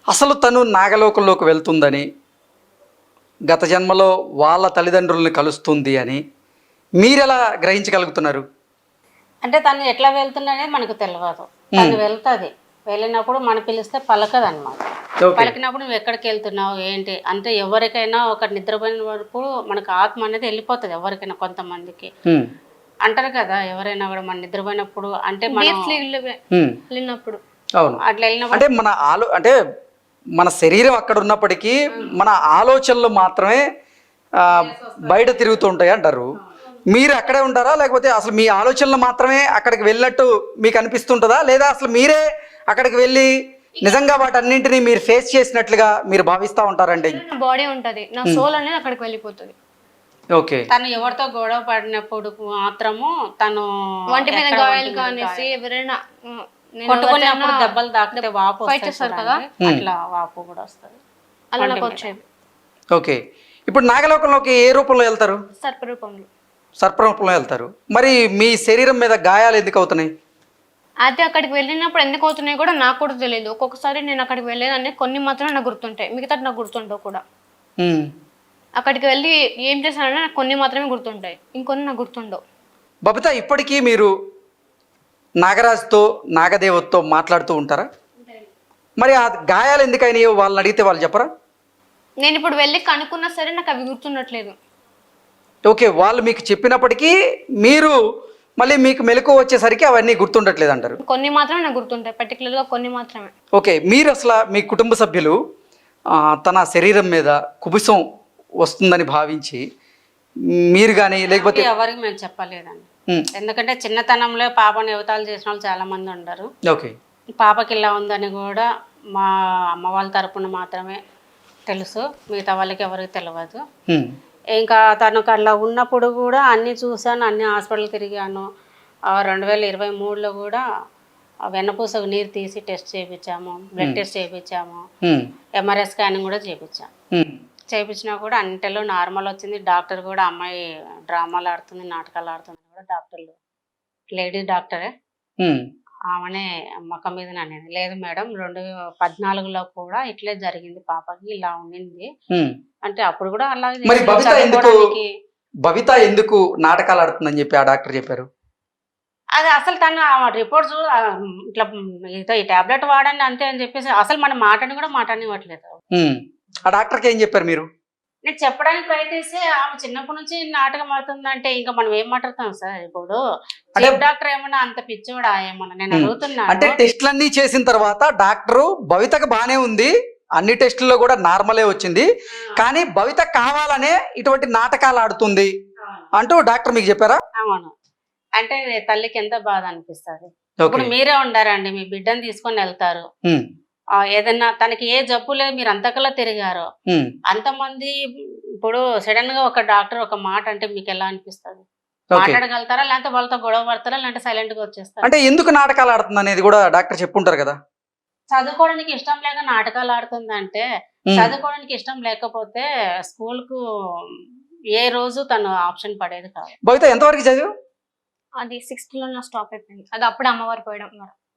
అసలు తను నాగలోకంలోకి వెళ్తుందని, గత జన్మలో వాళ్ళ తల్లిదండ్రుల్ని కలుస్తుంది అని మీరెలా గ్రహించగలుగుతున్నారు? అంటే తను ఎట్లా వెళ్తుందనేది మనకు తెలియదు. తను వెళ్తుంది, వెళ్ళినప్పుడు మనం పిలిస్తే పలకదు అనమాట. ఓకే. పలికినప్పుడు నువ్వు ఎక్కడికి వెళ్తున్నావు ఏంటి అంటే ఎవరికైనా ఒక నిద్రపోయిన వరకు మనకు ఆత్మ అనేది వెళ్ళిపోతుంది. ఎవరికైనా కొంతమందికి అంటారు కదా, ఎవరైనా కూడా మన నిద్రపోయినప్పుడు అంటే మనం వెళ్ళినప్పుడు అవును. అట్లా వెళ్ళినప్పుడు అంటే అంటే మన శరీరం అక్కడ ఉన్నప్పటికీ మన ఆలోచనలు మాత్రమే బయట తిరుగుతూ ఉంటాయి అంటారు. మీరు అక్కడే ఉంటారా, లేకపోతే అసలు మీ ఆలోచనలు మాత్రమే అక్కడికి వెళ్ళినట్టు మీకు అనిపిస్తుంటుందా, లేదా అసలు మీరే అక్కడికి వెళ్ళి నిజంగా వాటన్నింటినీ మీరు ఫేస్ చేసినట్లుగా మీరు భావిస్తూ ఉంటారండి? నా బాడీ ఉంటది, నా సోల్ అనేది అక్కడికి వెళ్ళిపోతుంది. ఓకే. తను ఎవరితో గొడవ పడినప్పుడు మాత్రము తను వంటి మీద గాయాలు కానేసి ఎవరైనా కొట్టుకున్నప్పుడు దెబ్బలు తాకితే వాపు ఫైట్ చేస్తారు కదా, అట్లా వాపు కూడా వస్తుంది. అలా నాకు వచ్చేది. ఓకే. ఇప్పుడు నాగలోకంలోకి ఏ రూపంలో వెళ్తారు? సర్పరూపంలో. సర్పరూపంలో వెళ్తారు. మరి మీ శరీరం మీద గాయాలు ఎందుకు అవుతున్నాయి? అయితే అక్కడికి వెళ్ళినప్పుడు ఎందుకు అవుతున్నాయి కూడా నాకు కూడా తెలియదు. ఒక్కొక్కసారి నేను అక్కడికి వెళ్ళేదాన్ని, కొన్ని మాత్రమే నాకు గుర్తుంటాయి, మిగతా నాకు గుర్తుంటావు కూడా. అక్కడికి వెళ్ళి ఏం చేశానంటే నాకు కొన్ని మాత్రమే గుర్తుంటాయి, ఇంకొన్ని నాకు గుర్తుండవు. బబిత, ఇప్పటికీ మీరు నాగరాజుతో నాగదేవతతో మాట్లాడుతూ ఉంటారా? మరి ఆ గాయాలు ఎందుకైనాయో వాళ్ళని అడిగితే వాళ్ళు చెప్పరా? నేను ఇప్పుడు వెళ్ళి కనుక్కున్నా సరే నాకు అవి గుర్తుండట్లేదు. ఓకే. వాళ్ళు మీకు చెప్పినప్పటికీ మీరు మళ్ళీ మీకు మెలకువ వచ్చేసరికి అవన్నీ గుర్తుండట్లేదు అంటారు. కొన్ని మాత్రమే నాకు గుర్తుంటాయి, పర్టికులర్గా కొన్ని మాత్రమే. ఓకే. మీరు అసలు మీ కుటుంబ సభ్యులు తన శరీరం మీద కుబుసం వస్తుందని భావించి మీరు కానీ లేకపోతే ఎవరికి మేము చెప్పలేదండి. ఎందుకంటే చిన్నతనంలో పాపను యువతాలు చేసిన వాళ్ళు చాలా మంది ఉండరు. ఓకే. పాపకి ఇలా ఉందని కూడా మా అమ్మ వాళ్ళ తరపున మాత్రమే తెలుసు, మిగతా వాళ్ళకి ఎవరికి తెలియదు. ఇంకా తనకు అలా ఉన్నప్పుడు కూడా అన్నీ చూశాను, అన్ని హాస్పిటల్ తిరిగాను. 2023లో కూడా వెన్నపూసకు నీరు తీసి టెస్ట్ చేయించాము, బ్లడ్ టెస్ట్ చేయించాము, ఎంఆర్ఐ స్కానింగ్ కూడా చేయించినా కూడా అన్నింటిలో నార్మల్ వచ్చింది. డాక్టర్ కూడా అమ్మాయి డ్రామాలు ఆడుతుంది, నాటకాలు ఆడుతుంది కూడా డాక్టర్లు, లేడీస్ డాక్టరే, ఆమెనే మొక్క మీద అనేది లేదు మేడం 2014లో కూడా ఇట్లే జరిగింది, పాపకి ఇలా ఉండింది అంటే అప్పుడు కూడా అలాగే. మరి బబిత ఎందుకు నాటకాలు ఆడుతుందని చెప్పి ఆ డాక్టర్ చెప్పారు? అది అసలు తను రిపోర్ట్స్ ఇట్లా ఈ టాబ్లెట్ వాడండి అంతే అని చెప్పేసి అసలు మన మాటని కూడా మాటనివ్వట్లేదు. ఆ డాక్టర్కి ఏం చెప్పారు మీరు? నేను చెప్పడానికి ప్రయత్నిస్తే ఆమె చిన్నప్పటి నుంచి నాటకం ఆడుతుందంటే ఇంకా మనం ఏం మాట్లాడతాం సార్? ఇప్పుడు డాక్టర్ ఏమన్నా అంత పిచ్చోడా ఏమన్నా నేను అడుగుతున్నా. అంటే టెస్ట్లన్నీ చేసిన తర్వాత డాక్టరు భవితకు బానే ఉంది, అన్ని టెస్టుల్లో కూడా నార్మలే వచ్చింది, కానీ భవిత కావాలనే ఇటువంటి నాటకాలు ఆడుతుంది అంటూ డాక్టర్ మీకు చెప్పారా? అవును. అంటే తల్లికి ఎంత బాధ అనిపిస్తుంది. ఇప్పుడు మీరే ఉండారండి, మీ బిడ్డను తీసుకొని వెళ్తారు, ఏదన్నా తనకి ఏ జబ్బు లేదు, మీరు అంతకల్లా తిరిగారు అంతమంది, ఇప్పుడు సడన్ గా ఒక డాక్టర్ ఒక మాట అంటే మీకు ఎలా అనిపిస్తుంది? మాట్లాడగలుగుతారా, లేకపోతే వాళ్ళతో గొడవ పడతారా, లేదంటే సైలెంట్ గా వచ్చేస్తారా? అంటే ఎందుకు నాటకాలు ఆడుతుంది అనేది కూడా డాక్టర్ చెప్పుంటారు కదా. చదువుకోవడానికి ఇష్టం లేక నాటకాలు ఆడుతుంది అంటే, చదువుకోవడానికి ఇష్టం లేకపోతే స్కూల్ కు ఏ రోజు తను ఆప్షన్ పడేది కాదు. భవిత ఎంతవరకు చదివు? అది 6th లో నా స్టాప్ అయిపోయింది. అది అప్పుడు అమ్మవారు పోయడం.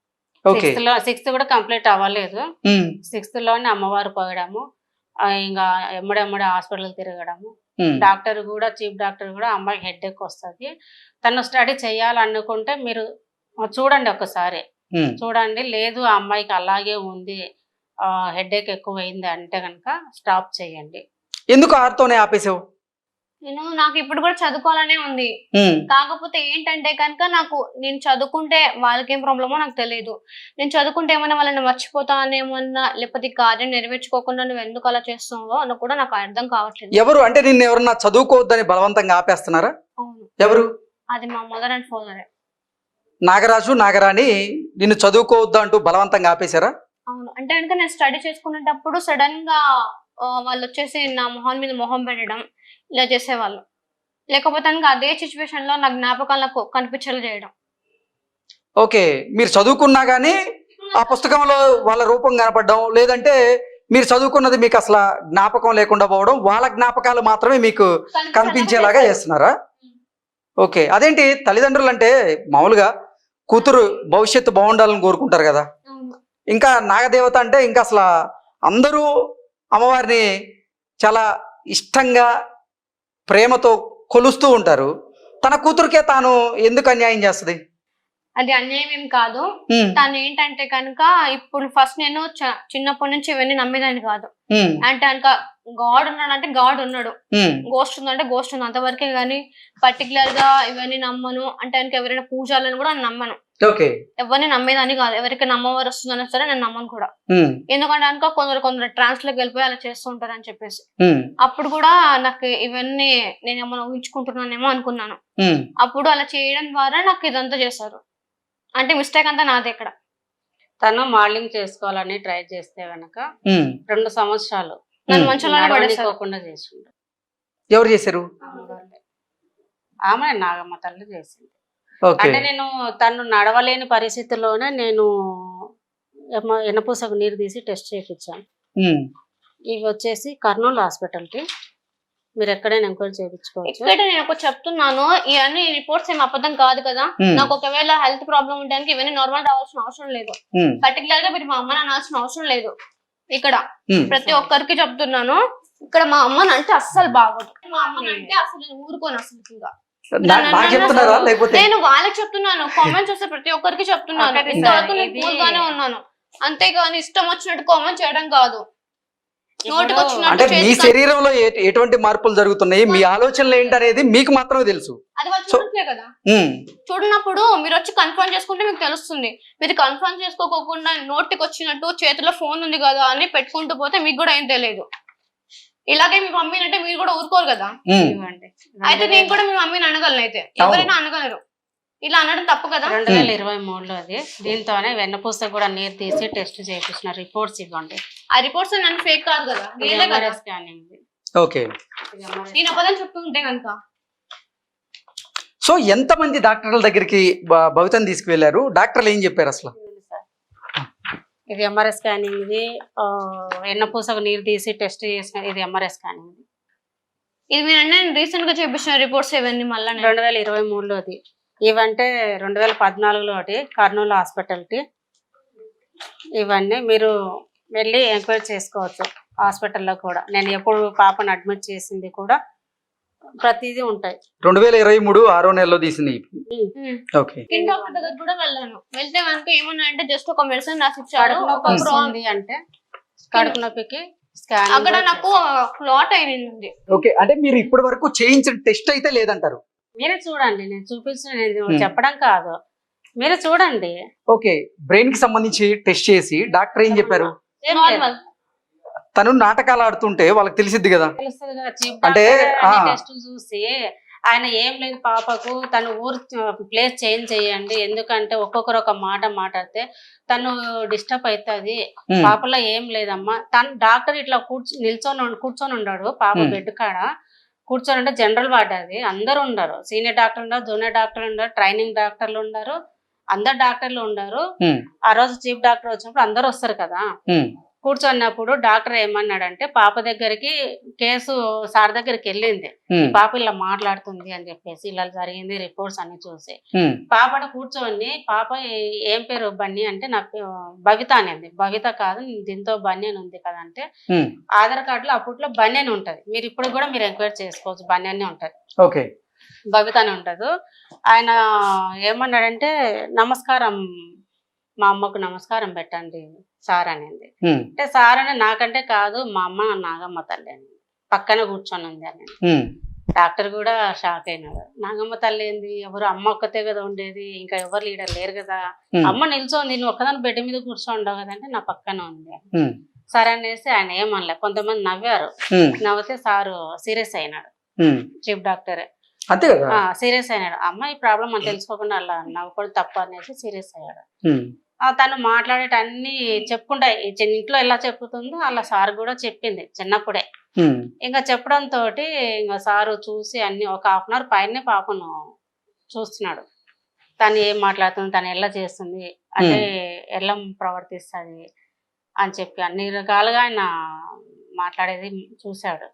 6th కూడా కంప్లీట్ అవ్వలేదు. 6th లోనే అమ్మవారు పోయడము, ఇంకా ఎమ్మడెమ్మడే హాస్పిటల్ తిరగడము. డాక్టర్ కూడా, చీఫ్ డాక్టర్ కూడా అమ్మాయికి హెడ్ఏక్ వస్తుంది, తను స్టడీ చేయాలనుకుంటే మీరు చూడండి ఒకసారి, చూడండి, లేదు ఆ అమ్మాయికి అలాగే ఉంది, హెడ్ఏక్ ఎక్కువైంది అంటే కనుక స్టాప్ చేయండి. ఎందుకు ఆరుతోనే ఆపేసావు? నాకు ఇప్పుడు కూడా చదువుకోవాలనే ఉంది, కాకపోతే ఏంటంటే కనుక నేను చదువుకుంటే వాళ్ళకేం ప్రాబ్లమో నాకు తెలియదు. నేను చదువుకుంటే ఏమైనా వాళ్ళని మర్చిపోతానేమన్నా, లేకపోతే కార్యం నెరవేర్చుకోకుండా నువ్వు ఎందుకు అలా చేస్తున్నావో అని కూడా నాకు అర్థం కావట్లేదు. ఎవరు అంటే నిన్ను ఎవరన్నా చదువుకోవద్దని బలవంతంగా ఆపేస్తున్నారా? అవును. ఎవరు? అది మా మదర్ అండ్ ఫాదరే. నాగరాజు నాగరాణి నిన్ను చదువుకోవద్దు అంటూ బలవంతంగా ఆపేశారా? అవును. అంటే కనుక నేను స్టడీ చేసుకునేటప్పుడు సడన్ గా వాళ్ళు వచ్చేసి నా మొహం మీద మొహం పెట్టడం ఇలా చేసేవాళ్ళు, లేకపోతే అదే సిచ్యువేషన్ లో నా జ్ఞాపకాలు నాకు కనిపించేలా చేయడం. ఓకే. మీరు చదువుకున్నా గానీ ఆ పుస్తకంలో వాళ్ళ రూపం కనపడడం, లేదంటే మీరు చదువుకున్నది మీకు అసలు జ్ఞాపకం లేకుండా పోవడం, వాళ్ళ జ్ఞాపకాలు మాత్రమే మీకు కనిపించేలాగా చేస్తున్నారా? ఓకే. అదేంటి, తల్లిదండ్రులు అంటే మామూలుగా కూతురు భవిష్యత్తు బాగుండాలని కోరుకుంటారు కదా, ఇంకా నాగదేవత అంటే ఇంకా అసలు అందరూ అమ్మవారిని చాలా ఇష్టంగా ప్రేమతో కొలుస్తూ ఉంటారు. తన కూతురికే తాను ఎందుకు అన్యాయం చేస్తుంది? అది అన్యాయం ఏం కాదు. తను ఏంటంటే కనుక ఇప్పుడు ఫస్ట్ నేను చిన్నప్పటి నుంచి ఇవన్నీ నమ్మేదాన్ని కాదు. అంటే కనుక గాడ్ ఉన్నాడు అంటే గాడ్ ఉన్నాడు, గోస్ట్ ఉందంటే గోస్ట్ ఉంది, అంతవరకే గానీ పర్టికులర్ గా ఇవన్నీ నమ్మను. అంటే కనుక ఎవరైనా పూజాలను కూడా నమ్మను, ఎవరిని నమ్మేదాన్ని కాదు. ఎవరికి నమ్మవారు వస్తుందన్నా సరే నేను నమ్మను కూడా. ఎందుకంటే కనుక కొందరు ట్రాన్స్ లోకి వెళ్ళిపోయి అలా చేస్తూ ఉంటారు అని చెప్పేసి. అప్పుడు కూడా నాకు ఇవన్నీ నేను ఏమైనా ఊహించుకుంటున్నానేమో అనుకున్నాను. అప్పుడు అలా చేయడం ద్వారా నాకు ఇదంతా చేశారు. అంటే మిస్టేక్ అంతా నాదే ఇక్కడ. తను మోడలింగ్ చేసుకోవాలని ట్రై చేస్తే గనక 2 సంవత్సరాలు నన్ను మంచిగా పడేసుకోకుండా చేసిండు. ఎవరు చేశారు? ఆమె నాగమ్మ తల్లి చేసింది. అంటే నేను తను నడవలేని పరిస్థితిలోనే నేను ఎనపూసకు నీరు తీసి టెస్ట్ చేయించాను. ఇవి వచ్చేసి కర్నూలు హాస్పిటల్కి, మీరు ఎక్కడైనా ఎంక్వైరీ చేయించుకోవచ్చు. ఇక్కడ నేను ఒక చెప్తున్నాను, ఇవన్నీ రిపోర్ట్స్ ఏం అబద్ధం కాదు కదా. నాకు ఒకవేళ హెల్త్ ప్రాబ్లం ఉండడానికి ఇవన్నీ నార్మల్ రావాల్సిన అవసరం లేదు. పర్టికులర్ గా మీరు మా అమ్మని అనాల్సిన అవసరం లేదు. ఇక్కడ ప్రతి ఒక్కరికి చెప్తున్నాను, ఇక్కడ మా అమ్మని అంటే అస్సలు బాగోదు. మా అమ్మని అంటే అసలు నేను ఊరుకోను అసలు. నేను వాళ్ళకి చెప్తున్నాను, కామెంట్స్ వస్తే ప్రతి ఒక్కరికి చెప్తున్నాను. ఇంతవరకు నేను కూల్ గానే ఉన్నాను, అంతేగాని ఇష్టం వచ్చినట్టు కామెంట్ చేయడం కాదు. అంటే మీ శరీరంలో ఎటువంటి మార్పులు జరుగుతున్నాయి, మీ ఆలోచనలు ఏంటనేది మీకు మాత్రమే తెలుసు. అది వాళ్ళు చూడట్లే కదా. చూడనప్పుడు మీరు వచ్చి కన్ఫర్మ్ చేసుకుంటే మీకు తెలుస్తుంది. మీరు కన్ఫర్మ్ చేసుకోకుండా నోటికి వచ్చినట్టు చేతిలో ఫోన్ ఉంది కదా అని పెట్టుకుంటూ పోతే మీకు కూడా ఏం తెలియదు. ఇలాగే మీ మమ్మీని అంటే మీరు కూడా ఊరుకోరు కదా. అయితే నేను కూడా మీ మమ్మీని అనగలను, అయితే ఎవరైనా అనగలరు. ఇలా అనడం తప్పు కదా. 2023లో అది. దీంతోనే వెన్నపూస కూడా నీరు తీసి టెస్ట్ చేయించిన రిపోర్ట్స్ ఇవ్వండి. ఆ రిపోర్ట్స్ నన్ను ఫేక్ కాదు కదా, స్కానింగ్. నేను అబద్ధం చెప్తుంటే కనుక. సో ఎంతమంది డాక్టర్ల దగ్గరికి భవితని తీసుకువెళ్లారు? డాక్టర్లు ఏం చెప్పారు అసలు? ఇది ఎంఆర్ఐ స్కానింగ్, ఇది వెన్నపూసకు నీరు తీసి టెస్ట్ చేసిన ఇది ఎంఆర్ఐ స్కానింగ్. ఇది మీరు రీసెంట్ గా చేపించిన రిపోర్ట్స్ ఇవన్నీ మళ్ళీ 2023లో అది. ఇవంటే 2014లో ఒకటి కర్నూలు హాస్పిటల్కి. ఇవన్నీ మీరు వెళ్ళి ఎంక్వైరీ చేసుకోవచ్చు హాస్పిటల్లో కూడా. నేను ఎప్పుడు పాపను అడ్మిట్ చేసింది కూడా ప్రతిదీ ఉంటాయి. 2023 6వ నెలలో తీసింది. డాక్టర్ దగ్గర కూడా వెళ్ళాను. వెళ్తే కనుక ఏమన్నా అంటే జస్ట్ ఒక మెడిసిన్ రాసి ఇచ్చాడు. అంటే కడుపు నొప్పికి అక్కడ నాకు క్లాట్ అయింది. ఓకే, అంటే మీరు ఇప్పటి వరకు చేయించిన టెస్ట్ అయితే లేదంటారు? మీరే చూడండి, నేను చూపించిన, నేను చెప్పడం కాదు, మీరే చూడండి. ఓకే, బ్రెయిన్ కి సంబంధించి టెస్ట్ చేసి డాక్టర్ ఏం చెప్పారు? తను నాటకాలు ఆడుతుంటే వాళ్ళకి తెలిసిద్ది కదా. అంటే టెస్ట్ చూసి ఆయన ఏం లేదు పాపకు తను ఊరు ప్లేస్ చేంజ్ చేయండి, ఎందుకంటే ఒక్కొక్కరు ఒక మాట మాట్లాడితే తను డిస్టర్బ్ అవుతుంది, పాపలో ఏం లేదమ్మా. తను డాక్టర్ ఇట్లా కూర్చొని ఉన్నాడు పాప బెడ్ కాడ కూర్చొని. అంటే జనరల్ వార్డ్ అది, అందరు ఉండరు, సీనియర్ డాక్టర్ ఉన్నారు, జూనియర్ డాక్టర్ ఉన్నారు, ట్రైనింగ్ డాక్టర్లు ఉన్నారు, అందరు డాక్టర్లు ఉన్నారు. ఆ రోజు చీఫ్ డాక్టర్ వచ్చినప్పుడు అందరు వస్తారు కదా. కూర్చున్నప్పుడు డాక్టర్ ఏమన్నాడంటే పాప దగ్గరికి కేసు సార్ దగ్గరికి వెళ్ళింది, పాప ఇలా మాట్లాడుతుంది అని చెప్పేసి, ఇలా జరిగింది రిపోర్ట్స్ అన్ని చూసి. పాపను కూర్చొని పాప ఏం పేరు బన్నీ అంటే నాకు భవిత అనేది. భవిత కాదు దీంతో బన్యన్ ఉంది కదా అంటే, ఆధార్ కార్డులో అప్పట్లో బన్యన్ ఉంటది, మీరు ఇప్పుడు కూడా మీరు ఎంక్వైరీ చేసుకోవచ్చు, బన్యన్ ఉంటది. ఓకే, భవిత అని ఉంటది. ఆయన ఏమన్నాడంటే నమస్కారం, మా అమ్మకు నమస్కారం పెట్టండి సార్ అనేది. అంటే సార్ అని నాకంటే కాదు, మా అమ్మ నాగమ్మ తల్లి అని పక్కన కూర్చొని ఉంది అని. డాక్టర్ కూడా షాక్ అయినాడు. నాగమ్మ తల్లి ఏంది, ఎవరు అమ్మ ఒక్కతే కదా ఉండేది, ఇంకా ఎవరు లీడర్ లేరు కదా, అమ్మ నిల్చోంది, నువ్వు ఒక్కదాని బెడ్ మీద కూర్చోండవు కదా అంటే నా పక్కన ఉంది. సరే అనేసి ఆయన ఏమనలే. కొంతమంది నవ్వారు, నవ్వితే సారు సీరియస్ అయినాడు, చీఫ్ డాక్టరే సీరియస్ అయినాడు. అమ్మ ఈ ప్రాబ్లం అని తెలుసుకోకుండా అలా నవ్వుకోవడం తప్ప అనేసి సీరియస్ అయ్యాడు. తను మాట్లాడేట అన్ని చెప్పుకుంటా, ఇంట్లో ఎలా చెప్పుతుందో అలా సార్ కూడా చెప్పింది చిన్నప్పుడే. ఇంకా చెప్పడం తోటి ఇంకా సారు చూసి అన్ని ఒక హాఫ్ అన్ అవర్ పైనే పాపను చూస్తున్నాడు, తను ఏం మాట్లాడుతుంది, తను ఎలా చేస్తుంది అంటే ఎలా ప్రవర్తిస్తుంది అని చెప్పి అన్ని రకాలుగా ఆయన మాట్లాడేది చూశాడు.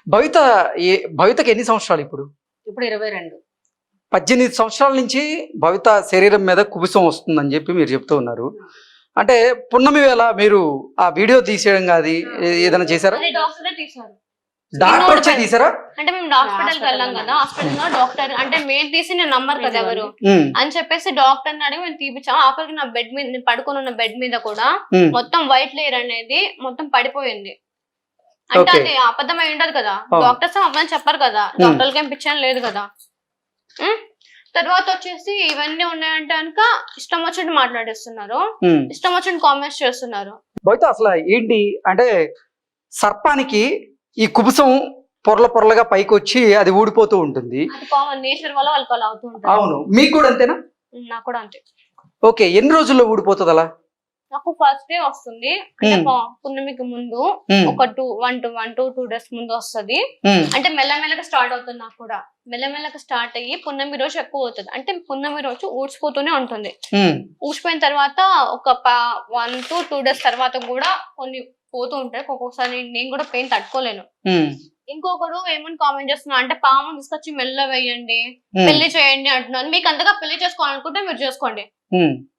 భవితకి ఎన్ని సంవత్సరాలు ఇప్పుడు? ఇప్పుడు 22. 18 సంవత్సరాల నుంచి భవిత శరీరం మీద కుబుసం వస్తుందని చెప్పి మీరు చెప్తూ ఉన్నారు. అంటే పున్నమి వేళ మీరు ఆ వీడియో తీసేయడం కాదు ఏదైనా చేశారా? అది డాక్టరే తీశారు. డాక్టర్ వచ్చే తీసారా? అంటే మేము హాస్పిటల్ కి వెళ్ళాం కదా, హాస్పిటల్ లో డాక్టర్ అంటే మేము తీసి నేను నమ్మరు కదా ఎవరు అని చెప్పేసి డాక్టర్ అడిగి మేము తీపిచ్చాం. ఆఖరికి నా బెడ్ మీద నేను పడుకొని ఉన్న బెడ్ మీద కూడా మొత్తం వైట్ లేయర్ అనేది మొత్తం పడిపోయింది. అంటే అది అబద్ధమై ఉండదు కదా, డాక్టర్స్ అబద్ధం చెప్పారు కదా, డాక్టర్లకి ఏం పిచ్చాను లేదు కదా. తర్వాత వచ్చేసి ఇవన్నీ ఉన్నాయంటే కనుక ఇష్టం వచ్చినట్టు మాట్లాడేస్తున్నారు, ఇష్టం వచ్చినట్టు కామెంట్స్ చేస్తున్నారు. బయట అసలు ఏంటి అంటే సర్పానికి ఈ కుబుసం పొరల పొరలుగా పైకి వచ్చి అది ఊడిపోతూ ఉంటుంది. అది కామన్ నేచర్ వల్ల వాళ్ళకి అలా అవుతూ ఉంటుంది. అవును, మీకు కూడా అంతేనా? నాకు కూడా అంతే. ఓకే, ఎన్ని రోజుల్లో ఊడిపోతుంది అలా? నాకు ఫస్ట్ డే వస్తుంది, అంటే పున్నమికి ముందు ఒక 2 days ముందు వస్తుంది. అంటే మెల్లమెల్లగా స్టార్ట్ అవుతుంది. నాకు కూడా మెల్లమెల్లగా స్టార్ట్ అయ్యి పున్నమి రోజు ఎక్కువ అవుతుంది. అంటే పున్నమి రోజు ఊడ్చిపోతూనే ఉంటుంది. ఊడ్చిపోయిన తర్వాత ఒక 1 to 2 days తర్వాత కూడా కొన్ని పోతూ ఉంటాయి. ఒక్కొక్కసారి నేను కూడా పెయిన్ తట్టుకోలేను. ఇంకొకరు ఏమని కామెంట్ చేస్తున్నా అంటే పాము తీసుకొచ్చి మెల్ల వేయండి, పెళ్లి చేయండి అంటున్నాను. మీకు అంతగా పెళ్లి చేసుకోవాలనుకుంటే మీరు చేసుకోండి,